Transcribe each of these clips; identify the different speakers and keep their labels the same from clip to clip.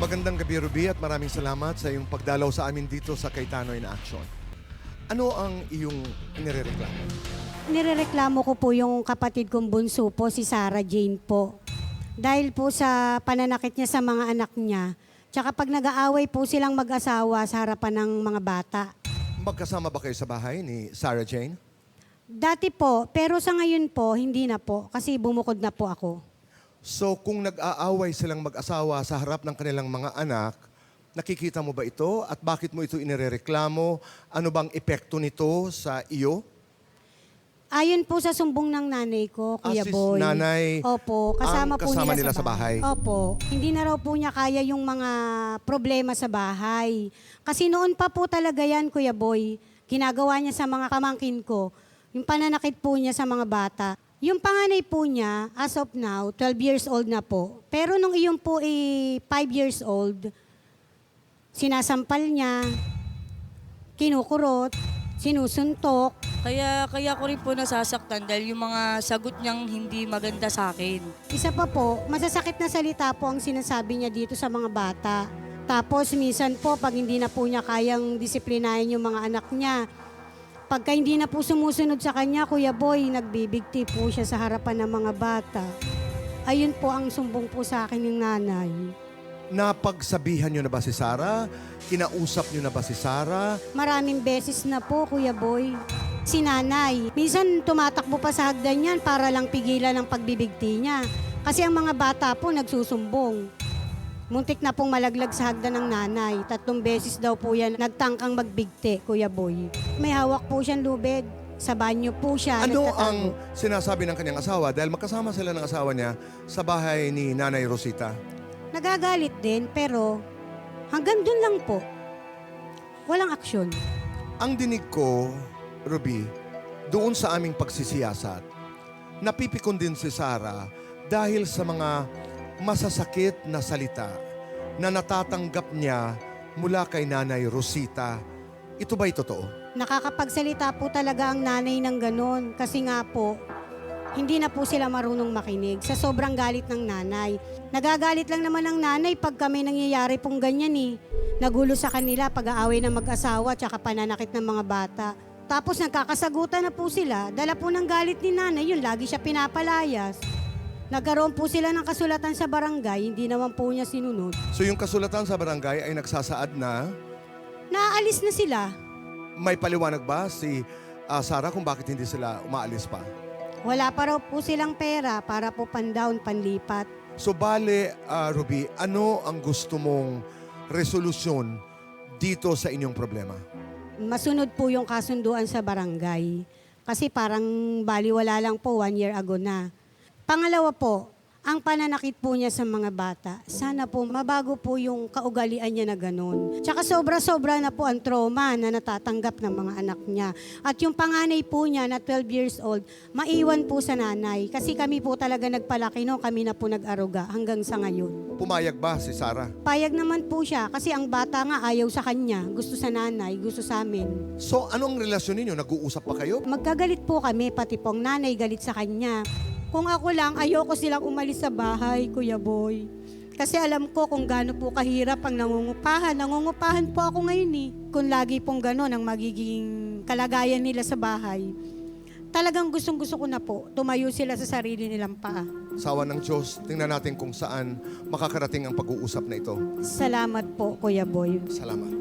Speaker 1: Magandang gabi, Ruby, at maraming salamat sa iyong pagdalaw sa amin dito sa Cayetano in Action. Ano ang iyong inirereklamo?
Speaker 2: Nirereklamo ko po yung kapatid kong bunso po, si Sarah Jane po. Dahil po sa pananakit niya sa mga anak niya, tsaka pag nag-aaway po silang mag-asawa sa harapan ng mga bata.
Speaker 1: Magkasama ba kayo sa bahay ni Sarah Jane?
Speaker 2: Dati po, pero sa ngayon po, hindi na po, kasi bumukod na po ako.
Speaker 1: So kung nag-aaway silang mag-asawa sa harap ng kanilang mga anak, nakikita mo ba ito at bakit mo ito inirereklamo? Ano bang epekto nito sa iyo?
Speaker 2: Ayon po sa sumbong ng nanay ko, Kuya
Speaker 1: Si
Speaker 2: Boy.
Speaker 1: nanay
Speaker 2: Opo, kasama
Speaker 1: ang
Speaker 2: po
Speaker 1: kasama
Speaker 2: nila sa bahay. Opo, hindi na raw po niya kaya yung mga problema sa bahay. Kasi noon pa po talaga yan, Kuya Boy, ginagawa niya sa mga kamangkin ko, yung pananakit po niya sa mga bata. Yung panganay po niya, as of now, 12 years old na po. Pero nung iyon po 5 years old, sinasampal niya, kinukurot, sinusuntok.
Speaker 3: Kaya ko rin po nasasaktan dahil yung mga sagot niyang hindi maganda sa akin.
Speaker 2: Isa pa po, masasakit na salita po ang sinasabi niya dito sa mga bata. Tapos minsan po, pag hindi na po niya kayang disiplinahin yung mga anak niya, pagka hindi na po sumusunod sa kanya, Kuya Boy, nagbibigti po siya sa harapan ng mga bata. Ayun po ang sumbong po sa akin ng nanay.
Speaker 1: Napagsabihan niyo na ba si Sarah? Kinausap niyo na ba si Sarah?
Speaker 2: Maraming beses na po, Kuya Boy. Si nanay, minsan tumatakbo pa sa hagdan yan para lang pigilan ang pagbibigti niya. Kasi ang mga bata po nagsusumbong. Muntik na pong malaglag sa hagdan ng nanay. 3 beses daw po yan nagtangkang magbigti, Kuya Boy. May hawak po siyang lubid. Sa banyo po siya.
Speaker 1: Ano
Speaker 2: nagtatago.
Speaker 1: ang sinasabi ng kanyang asawa? Dahil magkasama sila ng asawa niya sa bahay ni Nanay Rosita.
Speaker 2: Nagagalit din, pero hanggang dun lang po. Walang aksyon.
Speaker 1: Ang dinig ko, Ruby, doon sa aming pagsisiyasat, napipikon din si Sarah dahil sa mga masasakit na salita na natatanggap niya mula kay Nanay Rosita. Ito ba'y totoo?
Speaker 2: Nakakapagsalita po talaga ang nanay ng ganon. Kasi nga po, hindi na po sila marunong makinig sa sobrang galit ng nanay. Nagagalit lang naman ang nanay pag kami nangyayari pong ganyan eh. Nagulo sa kanila pag-aaway ng mag-asawa tsaka pananakit ng mga bata. Tapos nagkakasagutan na po sila. Dala po ng galit ni nanay, yun lagi siya pinapalayas. Nagkaroon po sila ng kasulatan sa barangay, hindi naman po niya sinunod.
Speaker 1: So yung kasulatan sa barangay ay nagsasaad na
Speaker 2: Naaalis na sila.
Speaker 1: may paliwanag ba si Sarah kung bakit hindi sila umaalis pa?
Speaker 2: Wala pa raw po silang pera para po pan-down, panlipat.
Speaker 1: So bale, Ruby, ano ang gusto mong resolusyon dito sa inyong problema?
Speaker 2: Masunod po yung kasunduan sa barangay. Kasi parang baliwala lang po 1 year ago na. Pangalawa po, ang pananakit po niya sa mga bata. Sana po mabago po yung kaugalian niya na ganun. Tsaka sobra-sobra na po ang trauma na natatanggap ng mga anak niya. At yung panganay po niya na 12 years old, maiwan po sa nanay. Kasi kami po talaga nagpalaki no, kami na po nag-aruga hanggang sa ngayon.
Speaker 1: Pumayag ba si Sarah?
Speaker 2: Payag naman po siya kasi ang bata nga ayaw sa kanya. Gusto sa nanay, gusto sa amin.
Speaker 1: So anong relasyon ninyo? Nag-uusap pa kayo?
Speaker 2: Magkagalit po kami, pati pong nanay galit sa kanya. Kung ako lang, ayoko silang umalis sa bahay, Kuya Boy. Kasi alam ko kung gaano po kahirap ang nangungupahan. Nangungupahan po ako ngayon eh. Kung lagi pong gano'n ang magiging kalagayan nila sa bahay. Talagang gustong-gusto ko na po, tumayo sila sa sarili nilang paa.
Speaker 1: Sawa ng Diyos, tingnan natin kung saan makakarating ang pag-uusap na ito.
Speaker 2: Salamat po, Kuya Boy.
Speaker 1: Salamat.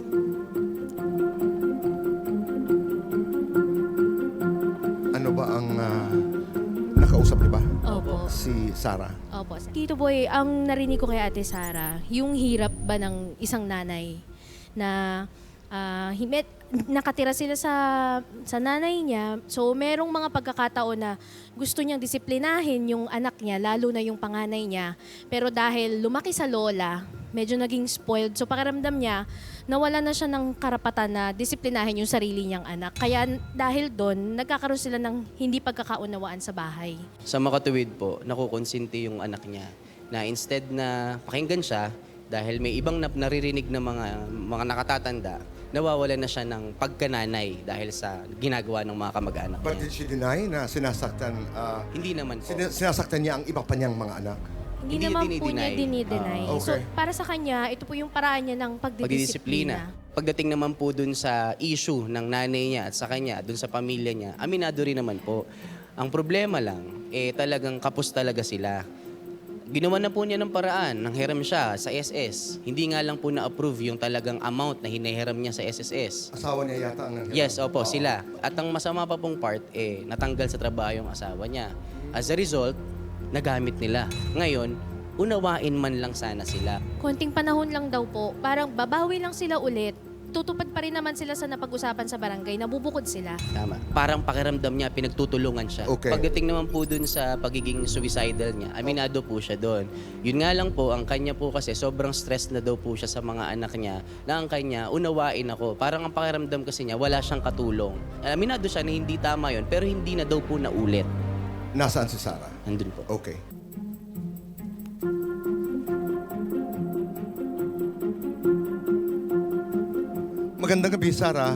Speaker 1: Ano ba ang nakausap niyo ba?
Speaker 4: Opo.
Speaker 1: Si Sarah.
Speaker 4: Opo. Tito Boy, ang narinig ko kay Ate Sara, yung hirap ba ng isang nanay na nakatira sila sa nanay niya. So, merong mga pagkakataon na gusto niyang disiplinahin yung anak niya, lalo na yung panganay niya. Pero dahil lumaki sa lola, medyo naging spoiled. So, pakiramdam niya, nawala na siya ng karapatan na disiplinahin yung sarili niyang anak. Kaya dahil doon, nagkakaroon sila ng hindi pagkakaunawaan sa bahay.
Speaker 5: Sa makatuwid po, nakukonsinti yung anak niya na instead na pakinggan siya, dahil may ibang naririnig na mga nakatatanda, nawawala na siya ng pagkananay dahil sa ginagawa ng mga kamag-anak
Speaker 1: But
Speaker 5: niya.
Speaker 1: did she deny na sinasaktan,
Speaker 5: Hindi naman po.
Speaker 1: sinasaktan niya ang iba pa niyang mga anak?
Speaker 4: Hindi naman po niya dinideny.
Speaker 1: Ah,
Speaker 4: So,
Speaker 1: okay.
Speaker 4: para sa kanya, ito po yung paraan niya ng pagdidisiplina.
Speaker 5: Pagdating naman po dun sa issue ng nanay niya at sa kanya, dun sa pamilya niya, aminado rin naman po. Ang problema lang, talagang kapos talaga sila. Ginawa na po niya ng paraan, nang hiram siya sa SS. Hindi nga lang po na-approve yung talagang amount na hinihiram niya sa SSS.
Speaker 1: Asawa niya yata ang nangyari.
Speaker 5: Yes, opo, sila. At ang masama pa pong part, natanggal sa trabaho yung asawa niya. As a result, nagamit nila. Ngayon, unawain man lang sana sila.
Speaker 4: Konting panahon lang daw po, parang babawi lang sila ulit. Tutupad pa rin naman sila sa napag-usapan sa barangay, nabubukod sila.
Speaker 5: Tama. Parang pakiramdam niya, pinagtutulungan siya.
Speaker 1: Okay.
Speaker 5: Pagdating naman po dun sa pagiging suicidal niya, aminado po siya doon. Yun nga lang po, ang kanya po kasi sobrang stress na daw po siya sa mga anak niya, na ang kanya, unawain ako. Parang ang pakiramdam kasi niya, wala siyang katulong. Aminado siya na hindi tama yun, pero hindi na daw po naulit.
Speaker 1: Nasaan si Sarah?
Speaker 5: Andun po.
Speaker 1: Okay. Magandang gabi, Sarah.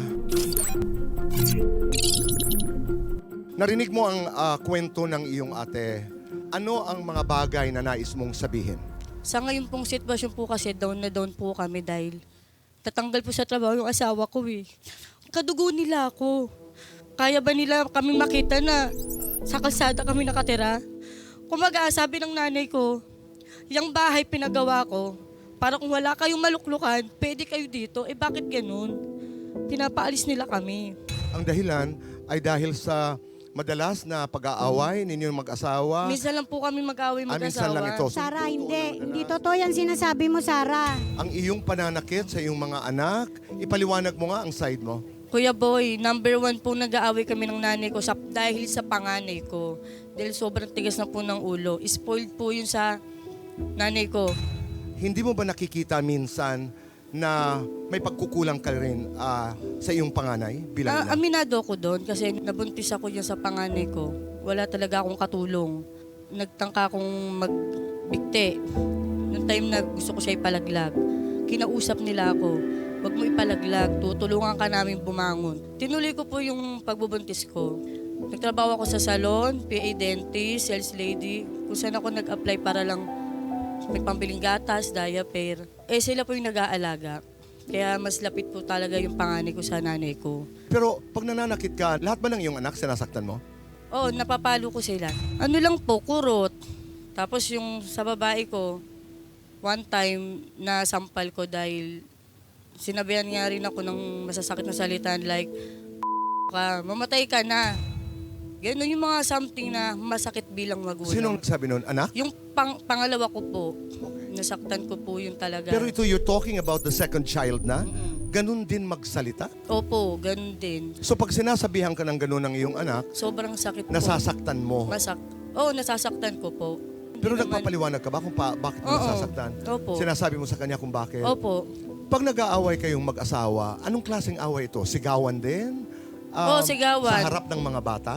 Speaker 1: Narinig mo ang kwento ng iyong ate. Ano ang mga bagay na nais mong sabihin?
Speaker 3: Sa ngayon pong sitwasyon po kasi down na down po kami dahil tatanggal po sa trabaho yung asawa ko eh. Kadugo nila ako. Kaya ba nila kami makita na sa kalsada kami nakatira? Kumaga, sabi ng nanay ko, yung bahay pinagawa ko, para kung wala kayong maluklukan, pwede kayo dito. Eh bakit ganun? Pinapaalis nila kami.
Speaker 1: Ang dahilan ay dahil sa madalas na pag-aaway ninyong mag-asawa.
Speaker 3: Minsan lang po kami mag-away
Speaker 1: Minsan
Speaker 3: mag-asawa.
Speaker 1: lang ito.
Speaker 2: Sarah, hindi totoo yan sinasabi mo, Sarah.
Speaker 1: Ang iyong pananakit sa iyong mga anak, ipaliwanag mo nga ang side mo.
Speaker 3: Kuya Boy, number 1 po nag-aaway kami ng nanay ko dahil sa panganay ko. Dahil sobrang tigas na po ng ulo. Spoiled po yun sa nanay ko.
Speaker 1: Hindi mo ba nakikita minsan na may pagkukulang ka rin sa iyong panganay bilang ina?
Speaker 3: Aminado ako doon kasi nabuntis ako dyan sa panganay ko. Wala talaga akong katulong. Nagtangka akong magbikte. Noong time na gusto ko siya ipalaglag, kinausap nila ako, wag mo ipalaglag, tutulungan ka namin bumangon. Tinuloy ko po yung pagbubuntis ko. Nagtrabaho ako sa salon, PA dentist, sales lady, kung saan ako nag-apply para lang may pambiling gatas, diaper. Sila po yung nag-aalaga. Kaya mas lapit po talaga yung panganay ko sa nanay ko.
Speaker 1: Pero pag nananakit ka, lahat ba ng iyong anak sinasaktan mo?
Speaker 3: Oo, napapalo ko sila. Ano lang po, kurot. Tapos yung sa babae ko, one time na sampal ko dahil sinabihan nga rin ako ng masasakit na salita like, mamatay ka na. Ganun yung mga something na masakit bilang magulang.
Speaker 1: Sinong sabi nun? Anak?
Speaker 3: Yung pangalawa ko po, nasaktan ko po yun talaga.
Speaker 1: Pero ito, you're talking about the second child na? Ganun din magsalita?
Speaker 3: Opo, ganun din.
Speaker 1: So pag sinasabihan ka ng ganun ng iyong anak,
Speaker 3: Sobrang sakit po.
Speaker 1: nasasaktan mo.
Speaker 3: Nasasaktan ko po.
Speaker 1: Pero
Speaker 3: Hindi naman-
Speaker 1: nagpapaliwanag ka ba kung bakit mo
Speaker 3: Oo.
Speaker 1: nasasaktan?
Speaker 3: Opo.
Speaker 1: Sinasabi mo sa kanya kung bakit?
Speaker 3: Opo.
Speaker 1: Pag nag-aaway kayong mag-asawa, anong klaseng away ito? Sigawan din?
Speaker 3: Oo, sigawan.
Speaker 1: Sa harap ng mga bata?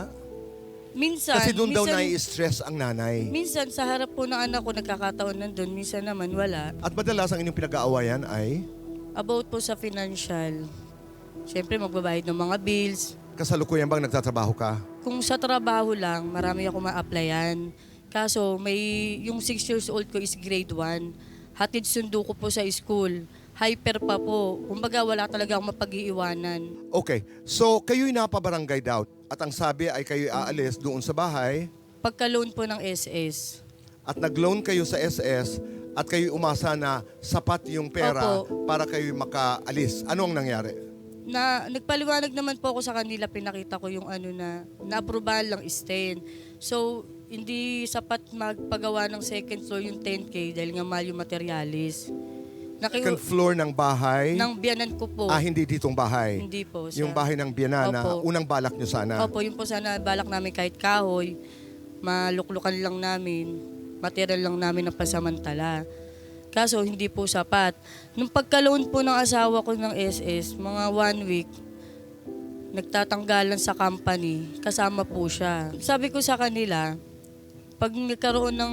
Speaker 3: Minsan,
Speaker 1: Kasi doon daw
Speaker 3: minsan-
Speaker 1: nai-stress ang nanay.
Speaker 3: Minsan sa harap po ng anak ko nagkakataon nandun, minsan naman wala.
Speaker 1: At madalas ang inyong pinag-aawayan ay
Speaker 3: About po sa financial. Siyempre magbabayad ng mga bills.
Speaker 1: kasalukuyan bang nagtatrabaho ka?
Speaker 3: Kung sa trabaho lang, marami ako ma-applyan. Kaso yung 6 years old ko is grade 1. Hatid sundo ko po sa school. Hyper pa po. Kumbaga wala talaga akong mapag-iiwanan.
Speaker 1: Okay, so kayo'y napabarangay daw at ang sabi ay kayo'y aalis doon sa bahay
Speaker 3: Pagka-loan po ng SS.
Speaker 1: at nag-loan kayo sa SS at kayo'y umasa na sapat yung pera
Speaker 3: Opo.
Speaker 1: para kayo'y makaalis. Ano ang nangyari?
Speaker 3: Nagpaliwanag naman po ako sa kanila, pinakita ko yung na-aprobahan lang stay. So, hindi sapat magpagawa ng second floor yung 10K dahil nga mahal yung materialis.
Speaker 1: Second floor ng bahay?
Speaker 3: Ng biyanan ko po.
Speaker 1: Hindi ditong bahay.
Speaker 3: Hindi po.
Speaker 1: Yung bahay ng biyanana,
Speaker 3: Opo.
Speaker 1: unang balak nyo sana.
Speaker 3: Opo, yun po sana balak namin kahit kahoy, maluklukan lang namin, material lang namin ng pasamantala. Kaso hindi po sapat. Nung pagka-loan po ng asawa ko ng SS, mga 1 week, nagtatanggalan sa company, kasama po siya. Sabi ko sa kanila, pag nagkaroon ng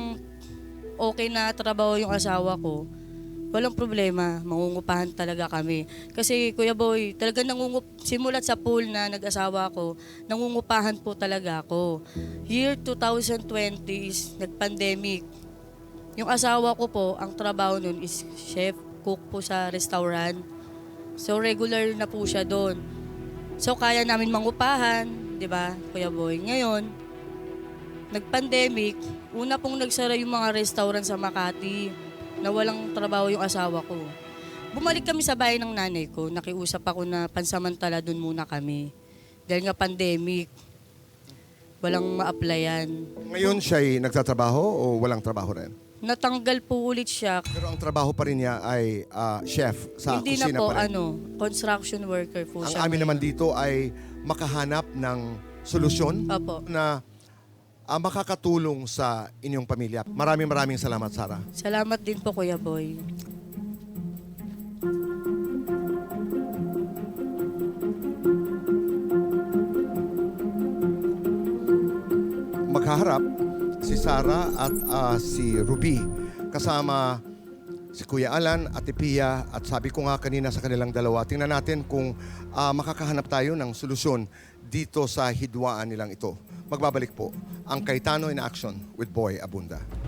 Speaker 3: okay na trabaho yung asawa ko, walang problema, mangungupahan talaga kami. Kasi Kuya Boy, talaga simulat sa pool na nag-asawa ko, nangungupahan po talaga ako. Year 2020 is nag-pandemic. Yung asawa ko po, ang trabaho nun is chef, cook po sa restaurant. So regular na po siya doon. So kaya namin mangupahan, di ba, Kuya Boy? Ngayon, nag-pandemic, una pong nagsara yung mga restaurant sa Makati na walang trabaho yung asawa ko. Bumalik kami sa bahay ng nanay ko. Nakiusap ako na pansamantala doon muna kami. Dahil nga pandemic, walang ma-applyan.
Speaker 1: Ngayon siya'y nagtatrabaho o walang trabaho rin?
Speaker 3: Natanggal po ulit siya.
Speaker 1: Pero ang trabaho pa rin niya ay chef sa
Speaker 3: Hindi na
Speaker 1: kusina
Speaker 3: po,
Speaker 1: pa rin.
Speaker 3: construction worker po
Speaker 1: Ang
Speaker 3: siya.
Speaker 1: amin naman dito ay makahanap ng solusyon
Speaker 3: Opo.
Speaker 1: na makakatulong sa inyong pamilya. Maraming salamat, Sarah.
Speaker 3: Salamat din po, Kuya Boy.
Speaker 1: Maghaharap si Sarah at si Ruby kasama si Kuya Alan at Pia, at sabi ko nga kanina sa kanilang dalawa, tingnan natin kung makakahanap tayo ng solusyon dito sa hidwaan nilang ito. Magbabalik po ang Cayetano in Action with Boy Abunda.